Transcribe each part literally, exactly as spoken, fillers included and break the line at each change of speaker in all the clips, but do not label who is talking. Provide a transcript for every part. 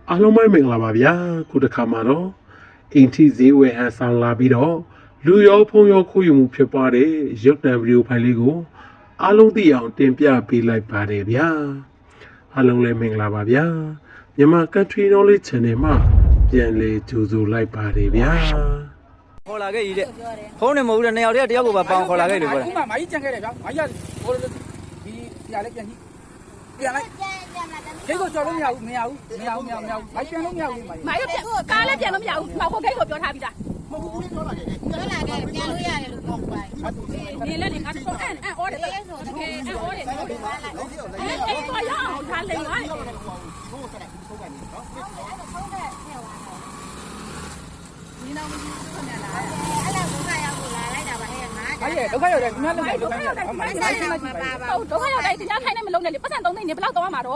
အားလုံးပဲမင်္ဂလာပါဗျာခုတစ်ခါမှာတော့အိမ်ထိဈေးဝယ်ဟန်ဆောင်လာပြီးတော့လူရောဖုံရောခိုးယူမှုဖြစ်ပွားတဲ့ရုပ်တံဗီဒီယိုဖိုင်လေးကိုအားလုံးသိအောင်တင်ပြပေးလိုက်ပါတယ်ဗျာအားလုံးလည်းမင်္ဂလာပါဗျာမြန်မာ Country Knowledge Channel မှာပြန်လည်ကြိုဆိုလိုက်ပါတယ်ဗျာ
ခေါ်လာခဲ့ကြီးတဲ့ဖုန်းနဲ့မဟုတ်တဲ့နှစ်ယောက်တည်းတယောက်ကိုပါပေါင်ခေါ်လာခဲ့လို့ပြောတယ်
ခုမှမာကြီးကြံခဲ့တယ်ဗျာမာကြီးကဟိုဒီဆရာလေးပြန်ကြည့်ပြန်လိုက်ဂိတ်ကိုကြော်လို့မရဘူးမရဘူးမရဘူးမရဘူးမရဘူးမာကြီးပြန်လို့မရဘူးမာကြီး
မာကြီးကားလည်းပြန်လို့မရဘူးမောက်ဖို့ဂိတ်ကိုပြောထားပြီးသား
မဟုတ်ဘူးပြောလာခဲ့
ပြောလာခဲ့ပြန်လို့ရတယ်လို့ပြောပါဒီလည်းဒီငါတို့အဲ့အဲ့အော်တယ်အဲ့အော်တယ်အဲ့အော်တယ်အဲ့တော့ရအောင်ထားလိမ့်ပါ你那我们去哪来？俺俩都看要过来，来家吧，嘿，妈。
哎呀，都看要得，你看都看
都看要得，买啥呀？都都看要得，人家看你们弄的，不算东西，你不老多嘛都。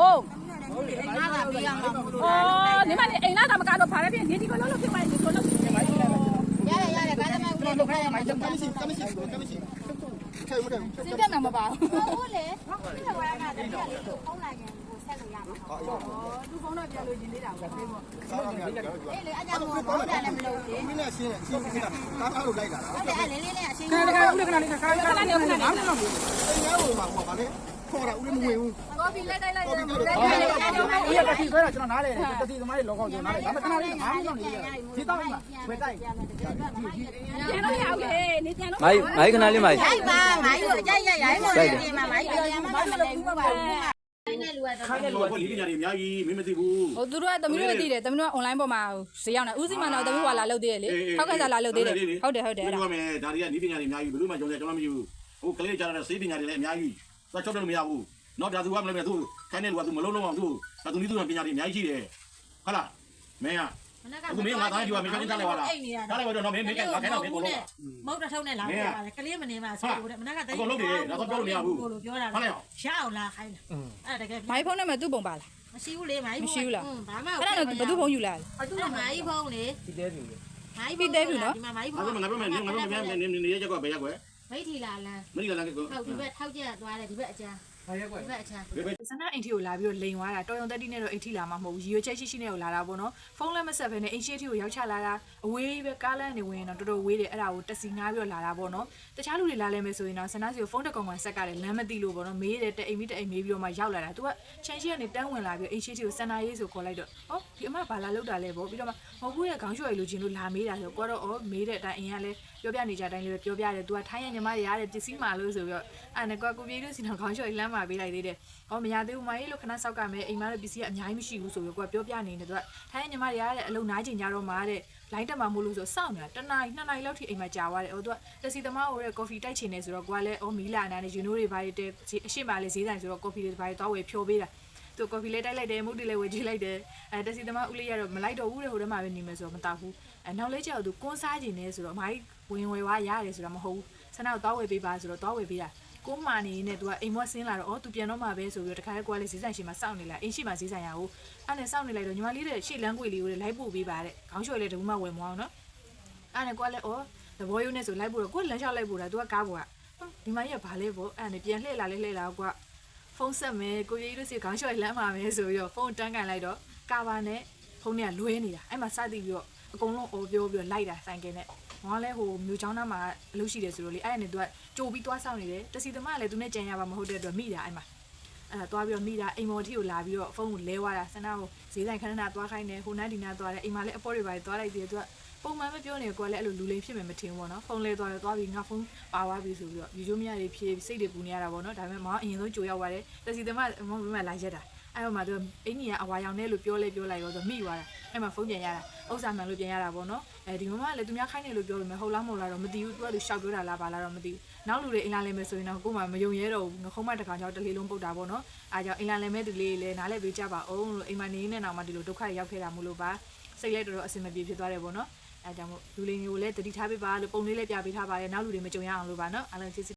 哦，你们你哎，那咱们干着爬那边，你这个老老去买，你说老去。呀呀呀！干什么？我都看要买，干么事？干么事？干么事？看不看？随便拿嘛吧。我嘞，你看我那个，你看你好来个。哦，都放那边了，今天两个，对不？哎，来，俺家我包的那么多，你那新新新的，刚刚都来着。俺来，俺来来来，新。看看，我来看你看，看看看你看，俺们那边，哎呀，我嘛，我把嘞，好了，我来没有。我比来来来，我比来来来，我也把提回来，就拿来，这提他妈的老高就拿来，咱们看那里，俺们那里，提到嘛，回来。见到要给，你见到。
买买个哪里买？
买吧，买有，呀呀呀，我这边嘛买有，呀嘛买来我吧。
ခိုင်းတယ်လို့ဒီပညာတွေအများကြီးမင်းမသိဘူး
ဟိုသူတို့ကတမီးတို့သိတယ်တမီးတို့က online ပေါ်မှာဈေးရောက်နေဦးစီးမှတော့တမီးကလာလုပ်သေးတယ်လေထောက်ကစားလာလုပ်သေးတယ်ဟုတ်တယ်ဟုတ်တယ်အဲ့ဒါ
ပြောမယ်ဒါတွေကဒီပညာတွေအများကြီးဘယ်လိုမှကြုံတယ်ကျွန်တော်မယူဟိုကလေးကြားတဲ့စေးပညာတွေလည်းအများကြီးသွားချုပ်တယ်လို့မရဘူးတော့ဒါသူကမလုပ်နဲ့သူခိုင်းတယ်လို့ကသူမလုံးလုံးအောင်သူဒါသူနည်းသူပညာတွေအများကြီးရှိတယ်ဟုတ်လားမင်းကအခုမင်းငါသားကြီးကမင်းချင်းတက်လိုက်ပါလားတက်လိုက်ပါတော့မင်းမင်းကငါခိုင်းတော့မင်းကိုလုံး
မဟုတ်တော့ထုံးနဲ့လာပါလေကလေးမနေမှာဆိုတော့မနက်ကတိတ်
ကိုလုံးတယ်ဒါတော့ပြောလို့မရဘူး
ကိုလိုပြောတာရအောင်လာခိုင်းတာအဲ့တကယ်
မိုင်းဖုန်းနဲ့မှသူ့ပုံပါလား
မရှိဘူးလေမိုင်း
မရှိဘူးလား
ဘာမှ
အဲ့ဒါတော့ဘယ်သူဖုန်းယူလာလဲ
အဲ့သူကမိုင်းဖုန်းလေ
ဒီတဲပြီလေ
မိုင်းပြီးတဲပြီနော်
ဒီမှာမိုင်းဖုန်းငါပြောမယ်ငါပြောမယ်ငါပြောမယ်နေနေရချက်ကွာဘယ်ရက်ကွယ်
မိထီလာလန်း
မိထီလာလန်းကို
ဟုတ်ဒီဘက်ထောက်ချက်သွားတယ်ဒီဘက်အကျန်း
ဘာရက်ကွယ်
ဒီဘက်အချမ်း
စနအိမ်ထီကိုလာပြီးတော့လိန်သွားတာတော်ရုံတက်တိနဲ့တော့အိမ်ထီလာမှာမဟုတ်ဘူးရီရွချက်ရှိရှိနဲ့ကိုလာတာပေါ့နော်ဖုန်းလည်းမဆက်ဘဲနဲ့အိမ်ရှိထီကိုရောက်ချလာတာအဝေးပဲကားလမ်းနေဝင်တော့တော်တော်ဝေးတယ်အဲ့ဒါကိုတက်စီငားပြီးတော့လာတာပေါ့နော်တခြားလူတွေလာလဲမယ်ဆိုရင်တော့စနစီကိုဖုန်းတစ်ကောင်ကောင်ဆက်ကတယ်လမ်းမသိလို့ပေါ့နော်မေးတယ်တဲ့အိမ်မိတဲ့အိမ်မေးပြီးတော့မှရောက်လာတာသူကချန်ရှိကနေတန်းဝင်လာပြီးအိမ်ရှိထီကိုစန္ဒာရေးဆိုခေါ်လိုက်တော့ဟောဒီအမဘာလာလောက်တာလဲပေါ့ပြီးတော့မှမဟုတ်ဘူးရဲ့ခေါင်းရွှေလိုချင်လို့လာမေးတာဆိုကိုကတော့အော်မေးတဲ့အတိုင်းအိမ်ကလည်းပြောပြနေကြတိုင်းလေးပဲပြောပြတယ်သူကထိုင်းရညီမရရတဲ့ပစ္စည်းမှလို့ဆိုပြီးတော့အဲ့နဲ့ကိုကိုပြေးလို့စီတော့ခေါင်းရွှေလမ်းမှာပေးလိုက်သေးတယ်ဟောမရသေးဘူးမကြီးလို့ခဏစောက်ကမယ်အိမ်မရဲ့ပစ္စည်းကအများကြီးမရှိဘူးဆိုပြီးကိုကပြောပြနေတယ်သူကထိုင်းညီမတွေရတဲ့အလုံးနားကျင်ကြတော့မှာတဲ့လိုင်းတက်မှာမို့လို့ဆိုစောင့်နေတာတနားနှစ်နာရီလောက်ထိအိမ်မှာကြာသွားတယ်ဟိုသူကတက်စီသမားဟိုတဲ့ကော်ဖီတိုက်ချင်နေဆိုတော့ကိုကလည်းအော်မီလာနာနဲ့ယူနိုးတွေဘာတွေတဲ့အရှိမလေးဈေးဆိုင်ဆိုတော့ကော်ဖီတွေဘာတွေတောက်ဝယ်ဖြိုးပေးတာသူကော်ဖီလေးတိုက်လိုက်တယ်မုတ်တီလေးဝယ်ကြည့်လိုက်တယ်အဲတက်စီသမားဦးလေးရတော့မလိုက်တော့ဘူးတဲ့ဟိုထဲမှာပဲနေမယ်ဆိုတော့မတောက်ဘူးအဲနောက်လေးကျတော့သူကွန်းစားကျင်နေဆိုတော့အမကြီးဝင်ဝယ်သွားရတယ်ဆိုတာမဟုတ်ဘူးဆန္ဒကိုတောက်ဝယ်ပေးပါဆိုတော့တောက်ဝယ်ပေးတာကိုမာနေနဲ့သူကအိမ်မွက်ဆင်းလာတော့အော်သူပြန်တော့မှာပဲဆိုပြီးတော့တခါလေးကိုကလေးဈေးဆိုင်ရှိမှစောင့်နေလာအိမ်ရှိမှဈေးဆိုင်ရအောင်အဲ့နဲ့စောင့်နေလိုက်တော့ညီမလေးတဲ့ရှေ့လမ်းကွေလေးကိုလိုက်ပို့ပေးပါတဲ့ခေါင်းလျှော်လေးတကူမှဝယ်မအောင်နော်အဲ့နဲ့ကိုကလည်းအော်သဘောရိုးနဲ့ဆိုလိုက်ပို့တော့ကိုလမ်းလျှောက်လိုက်ပို့တာသူကကားပေါ်ကဒီမကြီးကဘာလဲပေါ့အဲ့နဲ့ပြန်လှည့်လာလဲလှည့်လာကိုကဖုန်းဆက်မယ်ကိုကြီးတို့စီခေါင်းလျှော်လမ်းမှာမယ်ဆိုပြီးတော့ဖုန်းတန်းကန်လိုက်တော့ကာဘာနဲ့ဖုန်းနဲ့လွဲနေတာအဲ့မှာစသည်ပြီးတော့အကုန်လုံးအော်ပြောပြီးတော့လိုက်တာဆိုင်ကယ်နဲ့ငါလည်းဟိုမြို့ချောင်းသားမှာအလုပ်ရှိတယ်ဆိုတော့လေအဲ့နဲ့သူကကြိုပြီးသွားဆောင်နေတယ်တစီသမားကလည်းသူနဲ့ကြံရပါမဟုတ်တဲ့အတွက်မိတာအဲ့မှာအဲ့ဒါသွားပြီးတော့မိတာအိမ်မော်ထီကိုလာပြီးတော့ဖုန်းကိုလဲသွားတာဆန္ဒကိုဈေးဆိုင်ခဏခဏသွားခိုင်းတယ်ဟိုနားဒီနားသွားတယ်အိမ်မှာလည်းအပေါ်တွေပါသွားလိုက်သေးတယ်သူကပုံမှန်မပြောနေကိုကလည်းအဲ့လိုလူလိမ်ဖြစ်မယ်မထင်ဘူးပေါ့နော်ဖုန်းလဲသွားတယ်သွားပြီးငါဖုန်းပါသွားပြီဆိုပြီးတော့ယူချိုးမရတွေဖြေစိတ်တွေပူနေရတာပေါ့နော်ဒါပေမဲ့မောင်အရင်ဆုံးကြိုရောက်သွားတယ်တစီသမားမောင်ဘယ်မှာလာရက်တာအဲ့မှာသူအင်းကြီးကအဝါရောင်နဲ့လို့ပြောလဲပြောလိုက်ရောဆိုမိသွားတာအဲ့မှာဖုန်းပြန်ရတာဥစ္စာမှန်လို့ပြန်ရတာပေါ့နော်အဲဒီမမကလည်းသူများခိုင်းနေလို့ပြောလို့မယ်ဟုတ်လားမဟုတ်လားတော့မသိဘူးသူကသူရှောက်ပြောတာလားဘာလားတော့မသိဘူးနောက်လူတွေအင်လာလဲမယ်ဆိုရင်တော့ကို့မှာမယုံရဲတော့ဘူးငခုံးမတကောင်ကြောင့်တလေးလုံးပုတ်တာပေါ့နော်အားကြောင့်အင်လာလဲမဲ့သူလေးလည်းနားလဲပေးကြပါအောင်လို့အိမ်မှာနေနေနောက်မှဒီလိုဒုက္ခရောက်ခဲ့တာမို့လို့ပါစိတ်လဲတော်တော်အဆင်မပြေဖြစ်သွားတယ်ပေါ့နော်အဲကြောင့်မို့လူလေးမျိုးလည်းတတိထားပေးပါလို့ပုံလေးလည်းပြပေးထားပါတယ်နောက်လူတွေမကြုံရအောင်လို့ပါနော်အားလုံးကျေးဇူး